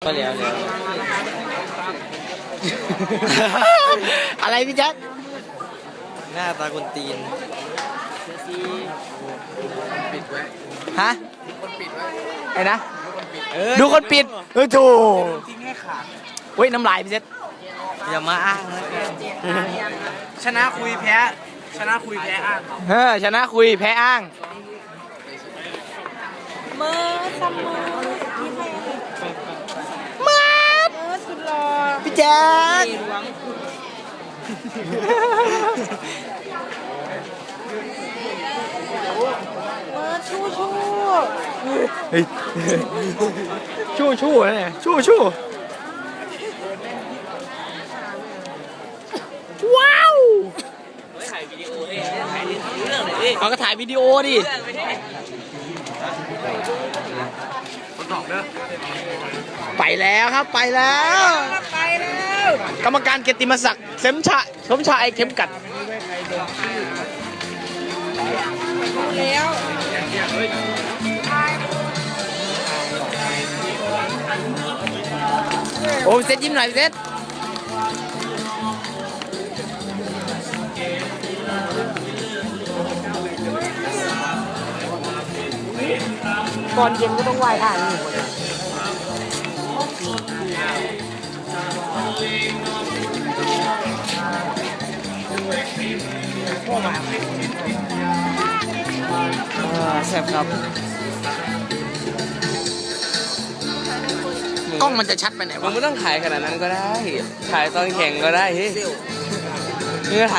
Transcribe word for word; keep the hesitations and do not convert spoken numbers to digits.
ก็แล้วแล้วอะไรพี่แจ๊คหน้าตาคนตีนปิดไว้ฮะคนปิดไว้ไอ้นะเออดูคนปิดเออถูกทิ้งให้ขาดเฮ้ยน้ำลายพี่แจ๊คอย่ามาอ้างนะชนะคุยแพ้ชนะคุยแพ้อ้างเออชนะคุยแพ้อ้างเมื่อซัมเมอร์ที่ใครมาเมื่อสุดหล่อพี่แจ๊คเมื่อชู้ชู้เฮ้ยชู้ชู้นะเนี่ยชู้ชู้ว้าวเอาก็ถ่ายวิดีโอดิไปแล้วครับไปแล้วไปแล้วกรรมการเกียรติมศักดิ์เสมชะสมชายเข็มกัดแล้วโอ้เซตยิ้มหน่อยเซตก่อนเย็นก็ต้องไหว้ท่านนี่แซ่บครับกล้องมันจะชัดไปไหนมึวะงไม่ต้องถ่ายขนาดนั้นก็ได้ถ่ายตอนแข่งก็ได้เฮ้ย